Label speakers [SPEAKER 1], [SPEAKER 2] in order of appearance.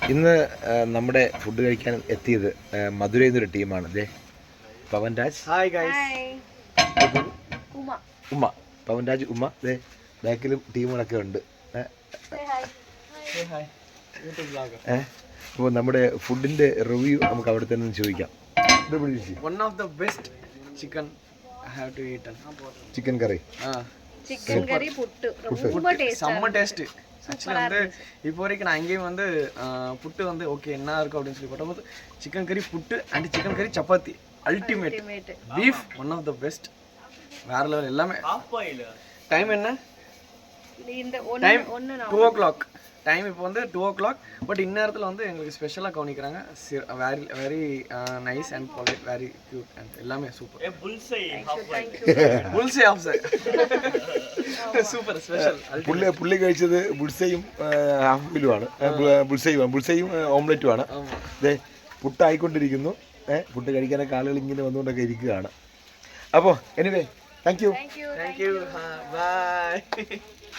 [SPEAKER 1] ഇന്ന് നമ്മുടെ ഫുഡ് കഴിക്കാൻ എത്തിയത് മധുരയിൽ നിന്നൊരു ടീമാണ്. അതെ, പവൻ രാജ്.
[SPEAKER 2] Hi guys.
[SPEAKER 1] ഉമ്മ, പവൻ രാജ്, ഉമ്മ. അതെ, ബാക്കിലും ടീമുകളൊക്കെ ഉണ്ട്. അപ്പോൾ നമ്മുടെ ഫുഡിൻ്റെ റിവ്യൂ നമുക്ക് അവിടെ തന്നെ ചോദിക്കാം.
[SPEAKER 2] One of the best chicken I have to eat.
[SPEAKER 1] Chicken curry,
[SPEAKER 3] chicken curry puttu ரொம்ப டேஸ்டா
[SPEAKER 2] செம்ம டேஸ்ட். ஆக்சுவலி வந்து இப்போ வரைக்கும் நான் அங்கேயும் வந்து புட்டு வந்து ஓகே என்ன இருக்கும் அப்படின்னு சொல்லி போட்டபோது chicken curry puttu and chicken curry chapati ultimate. Beef one of the best, வேற லெவல் எல்லாமே. டைம் என்ன?
[SPEAKER 3] இந்த
[SPEAKER 2] டைம்
[SPEAKER 3] ஒன்னு
[SPEAKER 2] 2 o'clock. டைம் இப்போ வந்து 2 o'clock. பட் இந்நேரத்தில் வந்து எங்களுக்கு ஸ்பெஷலாக கவனிக்கிறாங்க. Very very nice and polite, very cute and எல்லாமே சூப்பர். புல்சை ஆஃப் சை സൂപ്പർ സ്പെഷ്യൽ.
[SPEAKER 1] പുള്ളി കഴിച്ചത് ബുൾസയും ഹാഫിലുമാണ്. ബുൾസയും ഓംലെറ്റുമാണ്. അതെ, പുട്ടായിക്കൊണ്ടിരിക്കുന്നു. പുട്ട് കഴിക്കാനൊക്കെ ആളുകൾ ഇങ്ങനെ വന്നുകൊണ്ടൊക്കെ ഇരിക്കുകയാണ്. അപ്പോൾ anyway, thank you.
[SPEAKER 2] Thank you. By.